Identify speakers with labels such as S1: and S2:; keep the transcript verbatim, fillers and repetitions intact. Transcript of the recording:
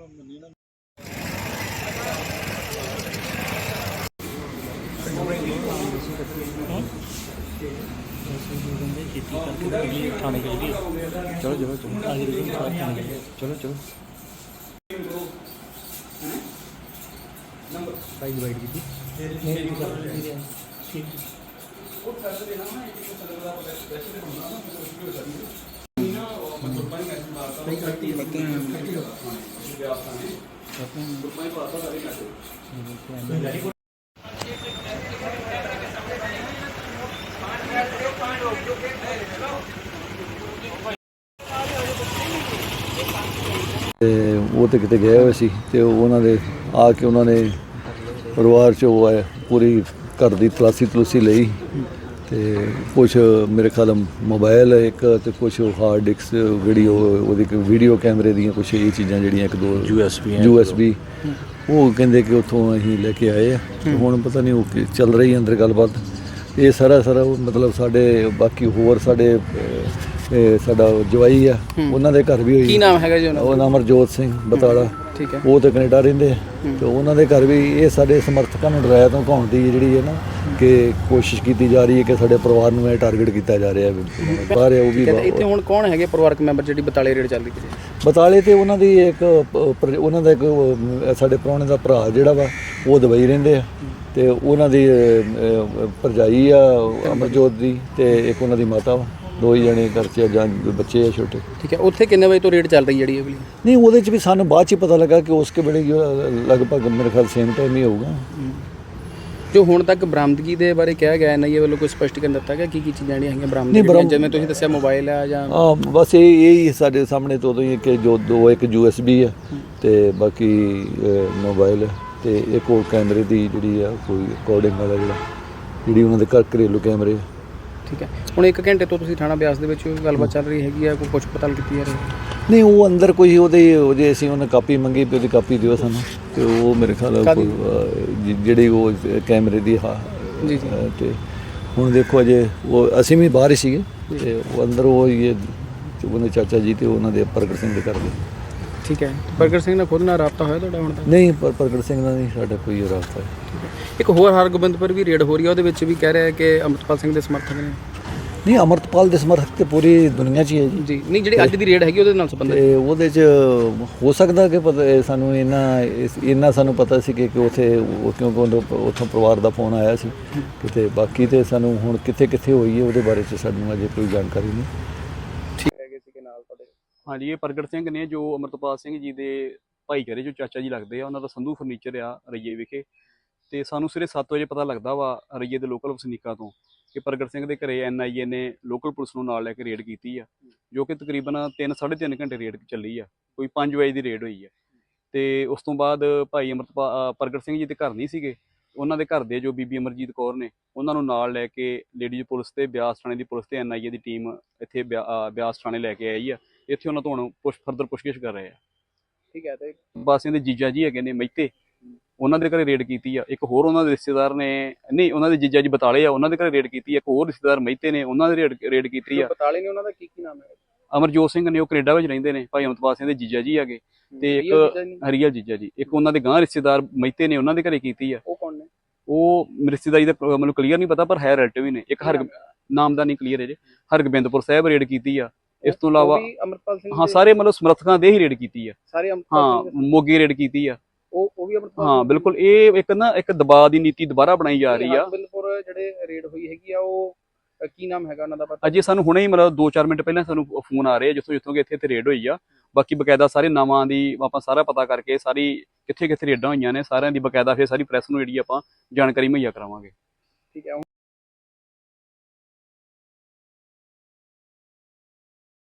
S1: थाने के लिए चलो चलो चलो चलो चलो भाई डिवाइड की थी
S2: वो तो कितने गए हुए सी ते उन्होंने आके उन्होंने परिवार चो आए पूरी घर की तलाशी तलूसी लई ते कुछ मेरे ख्याल मोबाइल एक ते कुछ हार्ड डिस्क वीडियो वीडियो कैमरे दी कुछ ये चीज़ां जिहड़ियां एक दो U S B U S B वो कहते कि उत्थों असीं लेके आए हैं हुण पता नहीं वो चल रही अंदर गलबात ये सारा सारा मतलब साडे बाकी होर साडे साडा जवाई आ उन्हां दे घर भी होई
S3: की नाम हैगा जी
S2: उन्हां नाम अमरजोत सिंह बताड़ा
S3: ठीक है
S2: वो तो कनेडा रहिंदे तो उन्हां दे घर भी ये साडे समर्थकां नूं डराया धमकाउण दी जिहड़ी है ना कि कोशिश की जा रही है कि साडे परिवार नूं टारगेट किया जा रहा है बाहर है वो भी
S3: इत्थे हुण कौन हैगे परिवारक मैंबर जिहड़ी बताले रेड चल रही है
S2: बताले ते उन्हां दी एक उन्हां दा एक साडे प्राहुणे दा भरा जिहड़ा वा वो दुबई रहिंदे आ ते उन्हां दी भरजाई आ अमरजोत दी ते एक उन्हां दी माता वा दो ही जने घर च जां बच्चे है छोटे
S3: ठीक है उत्थे किन्ने बजे तो रेड चल रही है जी
S2: नहीं वो भी सानू बाद च पता लगा कि उसके वेले लगभग मेरे ख्याल सेम टाइम ही होगा
S3: जो हुण तक बरामदगी दे बारे कहा गया एन आई ए वालों कोई स्पष्टीकरण दिता गया की की चीज़ां जिहड़ियां बरामद जिवें तुसीं दस्सिया मोबाइल है जां
S2: हाँ बस ये यही साडे सामने तो ही कि जो दो एक यू एस बी है ते बाकी मोबाइल है ते एक वो कैमरे की जिहड़ी है कोई रिकॉर्डिंग वाला जिहड़ा जिहड़ी उन्हां दे घर घरेलू कैमरे
S3: ठीक है हुण एक घंटे तो तुसीं थाणा बिआस दे विच गलबात चल रही हैगी है कोई पुछ पड़ताल कीती जा रही
S2: नहीं वो अंदर कोई ਉਹਦੇ ਉਹਦੇ ਅਸੀਂ ਉਹਨੇ ਕਾਪੀ ਮੰਗੀ ਵੀ ਉਹਦੀ ਕਾਪੀ ਦਿਓ ਸਾਨੂੰ ਤੇ ਉਹ ਮੇਰੇ ਖਿਆਲ ਜਿਹੜੀ ਉਹ ਕੈਮਰੇ ਦੀ ਹਾਂ
S3: ਜੀ
S2: ਤੇ ਹੁਣ ਦੇਖੋ ਅਜੇ ਉਹ ਅਸੀਂ ਵੀ ਬਾਹਰ ਹੀ ਸੀਗੇ ਤੇ ਉਹ ਅੰਦਰ ਉਹ ਇਹ ਉਹਦੇ ਚਾਚਾ ਜੀ ਤੇ ਉਹਨਾਂ ਦੇ ਪ੍ਰਗਟ ਸਿੰਘ ਦੇ ਘਰ ਦੇ
S3: ਠੀਕ ਹੈ ਪ੍ਰਗਟ ਸਿੰਘ ਨਾਲ ਖੁਦ ਨਾਲ ਰਾਬਤਾ ਹੋਇਆ ਤੁਹਾਡਾ ਹੁਣ ਤੱਕ
S2: ਨਹੀਂ ਪਰ ਪ੍ਰਗਟ ਸਿੰਘ ਨਾਲ ਨਹੀਂ ਸਾਡਾ ਕੋਈ ਰਾਬਤਾ ਹੈ
S3: ਇੱਕ ਹੋਰ ਹਰਗੋਬਿੰਦਪੁਰ ਵੀ ਰੇਡ ਹੋ ਰਹੀ ਹੈ ਉਹਦੇ ਵਿੱਚ ਵੀ ਕਹਿ ਰਿਹਾ ਕਿ ਅੰਮ੍ਰਿਤਪਾਲ ਸਿੰਘ ਦੇ ਸਮਰਥਕ ਨੇ
S2: नहीं अमृतपाल के समर्थक तो पूरी दुनिया च ही है जी
S3: जी नहीं जी अज की रेड हैगी ਉਹਦੇ ਨਾਲ ਸੰਬੰਧਿਤ
S2: ਉਹਦੇ ਚ ਹੋ ਸਕਦਾ ਕਿ ਪਤਾ ਸਾਨੂੰ ਇਹਨਾਂ ਇਹਨਾਂ ਸਾਨੂੰ ਪਤਾ ਸੀ ਕਿ ਉੱਥੇ ਕਿਉਂਕਿ ਉੱਥੋਂ ਪਰਿਵਾਰ ਦਾ ਫੋਨ ਆਇਆ ਸੀ ਕਿਤੇ ਬਾਕੀ ਤੇ ਸਾਨੂੰ ਹੁਣ ਕਿੱਥੇ ਕਿੱਥੇ ਹੋਈ ਹੈ ਉਹਦੇ ਬਾਰੇ ਚ ਸਾਨੂੰ ਅਜੇ ਕੋਈ ਜਾਣਕਾਰੀ ਨਹੀਂ
S3: ਠੀਕ ਹੈਗੇ ਸੀ ਕਿ ਨਾਲ ਤੁਹਾਡੇ
S4: ਹਾਂਜੀ ਇਹ ਪ੍ਰਗਟ ਸਿੰਘ ਨੇ ਜੋ ਅਮਰਤਪਾਲ ਸਿੰਘ ਜੀ ਦੇ ਭਾਈਚਾਰੇ ਜੋ ਚਾਚਾ ਜੀ ਲੱਗਦੇ ਆ ਉਹਨਾਂ ਦਾ ਸੰਧੂ ਫਰਨੀਚਰ ਆ ਰਈਏ ਵਿਖੇ ਤੇ ਸਾਨੂੰ ਸਵੇਰੇ ਸੱਤ ਵਜੇ ਪਤਾ ਲੱਗਦਾ ਵਾ ਰਈਏ ਦੇ ਲੋਕਲ ਵਸਨੀਕਾਂ ਤੋਂ ਕਿ ਪ੍ਰਗਟ ਸਿੰਘ ਦੇ ਘਰੇ ਐਨ ਆਈ ਏ ਨੇ ਲੋਕਲ ਪੁਲਿਸ ਨੂੰ ਨਾਲ ਲੈ ਕੇ ਰੇਡ ਕੀਤੀ ਆ ਜੋ ਕਿ ਤਕਰੀਬਨ ਤਿੰਨ ਸਾਢੇ ਤਿੰਨ ਘੰਟੇ ਰੇਡ ਚੱਲੀ ਆ ਕੋਈ ਪੰਜ ਵਜੇ ਦੀ ਰੇਡ ਹੋਈ ਆ ਤੇ ਉਸ ਤੋਂ ਬਾਅਦ ਭਾਈ ਅਮਰਤਪਾਲ ਪ੍ਰਗਟ ਸਿੰਘ ਜੀ ਦੇ ਘਰ ਨਹੀਂ ਸੀਗੇ ਉਹਨਾਂ ਦੇ ਘਰ ਦੇ ਜੋ ਬੀਬੀ ਅਮਰਜੀਤ ਕੌਰ ਨੇ ਉਹਨਾਂ ਨੂੰ ਨਾਲ ਲੈ ਕੇ ਲੇਡੀਜ਼ ਪੁਲਿਸ ਤੇ ਬਿਆਸ ਥਾਣੇ ਦੀ ਪੁਲਿਸ ਤੇ ਐਨ ਆਈ ਏ ਦੀ ਟੀਮ ਇੱਥੇ ਬਿਆਸ ਥਾਣੇ ਲੈ ਕੇ ਆਈ ਆ ਇੱਥੇ ਉਹਨਾਂ ਤੋਂ ਹੁਣ ਪੁੱਛ ਫਰਦਰ ਪੁੱਛਗਿੱਛ ਕਰ ਰਹੇ ਆ
S3: ਠੀਕ ਹੈ ਤੇ
S4: ਬਾਸੀਆਂ ਦੇ ਜੀਜਾ ਜੀ ਹੈਗੇ ਨੇ ਮਹਿਤੇ ਉਹਨਾਂ ਦੇ ਘਰੇ ਰੇਡ ਕੀਤੀ ਆ ਇੱਕ ਹੋਰ ਉਹਨਾਂ ਦੇ ਰਿਸ਼ਤੇਦਾਰ ਨੇ ਨਹੀਂ ਉਹਨਾਂ ਦੇ ਜੀਜਾ ਜੀ ਬਤਾਲੇ ਆ ਉਹਨਾਂ ਦੇ ਘਰੇ ਰੇਡ ਕੀਤੀ ਆ ਇੱਕ ਹੋਰ ਰਿਸ਼ਤੇਦਾਰ ਮਹਿਤੇ ਨੇ ਉਹਨਾਂ ਦੇ ਰੇਡ ਰੇਡ ਕੀਤੀ ਆ
S3: ਬਤਾਲੇ ਨੇ ਉਹਨਾਂ ਦਾ ਕੀ ਕੀ ਨਾਮ ਹੈ
S4: ਅਮਰਜੋਤ ਸਿੰਘ ਨੇ ਉਹ ਕੈਨੇਡਾ ਵਿੱਚ ਰਹਿੰਦੇ ਨੇ ਭਾਈ ਅਮਰਤਪਾਲ ਸਿੰਘ ਦੇ ਜੀਜਾ ਜੀ ਹੈਗੇ ਤੇ ਇੱਕ ਹਰੀਆ ਜੀਜਾ ਜੀ ਇੱਕ ਉਹਨਾਂ ਦੇ ਗਾਂ ਰਿਸ਼ਤੇਦਾਰ ਮਹਿਤੇ ਨੇ ਉਹਨਾਂ ਦੇ ਘਰੇ ਕੀਤੀ ਆ
S3: ਉਹ ਕੌਣ ਨੇ
S4: ਉਹ ਰਿਸ਼ਤੇਦਾਰੀ ਦਾ ਮੈਨੂੰ ਕਲੀਅਰ ਨਹੀਂ ਪਤਾ ਪਰ ਹੈ ਰਿਲੇਟਿਵ ਹੀ ਨੇ ਇੱਕ ਹਰ ਨਾਮ ਦਾ ਨਹੀਂ ਕਲੀਅਰ ਹੈ ਜੇ ਹਰਗੋਬਿੰਦਪੁਰ ਸਾਹਿਬ ਰੇਡ ਕੀਤੀ ਆ ਇਸ ਤੋਂ ਇਲਾਵਾ
S3: ਅਮਰਪਾਲ ਸਿੰਘ
S4: ਹਾਂ ਸਾਰੇ ਮਤਲਬ ਸਮਰਥਕਾਂ ਦੇ ਹੀ ਰੇਡ ਕੀਤੀ ਆ
S3: ਸਾਰੇ
S4: ਹਾਂ ਮੋਗੇ ਰੇਡ ਕੀਤੀ ਆ
S3: ਉਹ ਉਹ ਵੀ ਅਮਰਪਾਲ
S4: ਹਾਂ ਬਿਲਕੁਲ ਇਹ ਇੱਕ ਨਾ ਇੱਕ ਦਬਾਅ ਦੀ ਨੀਤੀ ਦੁਬਾਰਾ ਬਣਾਈ ਜਾ ਰਹੀ ਆ
S3: ਬਿਲਕੁਲ ਜਿਹੜੇ ਰੇਡ ਹੋਈ ਹੈਗੀ ਆ ਉਹ ਕੀ ਨਾਮ ਹੈਗਾ ਉਹਨਾਂ ਦਾ ਪਤਾ
S4: ਅਜੇ ਸਾਨੂੰ ਹੁਣੇ ਹੀ ਮਤਲਬ ਦੋ ਚਾਰ ਮਿੰਟ ਪਹਿਲਾਂ ਸਾਨੂੰ ਫੋਨ ਆ ਰਹੇ ਆ ਜਿੱਥੋਂ ਜਿੱਥੋਂ ਕਿ ਇੱਥੇ ਇੱਥੇ ਰੇਡ ਹੋਈ ਆ ਬਾਕੀ ਬਕਾਇਦਾ ਸਾਰੇ ਨਾਵਾਂ ਦੀ ਆਪਾਂ ਸਾਰਾ ਪਤਾ ਕਰਕੇ ਸਾਰੀ ਕਿੱਥੇ ਕਿੱਥੇ ਰੇਡਾਂ ਹੋਈਆਂ ਨੇ ਸਾਰਿਆਂ ਦੀ ਬਕਾਇਦਾ ਫਿਰ ਸਾਰੀ ਪ੍ਰੈਸ ਨੂੰ ਜਿਹੜੀ ਆਪਾਂ ਜਾਣਕਾਰੀ ਮੁਹੱਈਆ ਕਰਾਵਾਂਗੇ
S3: ਠੀਕ ਹੈ।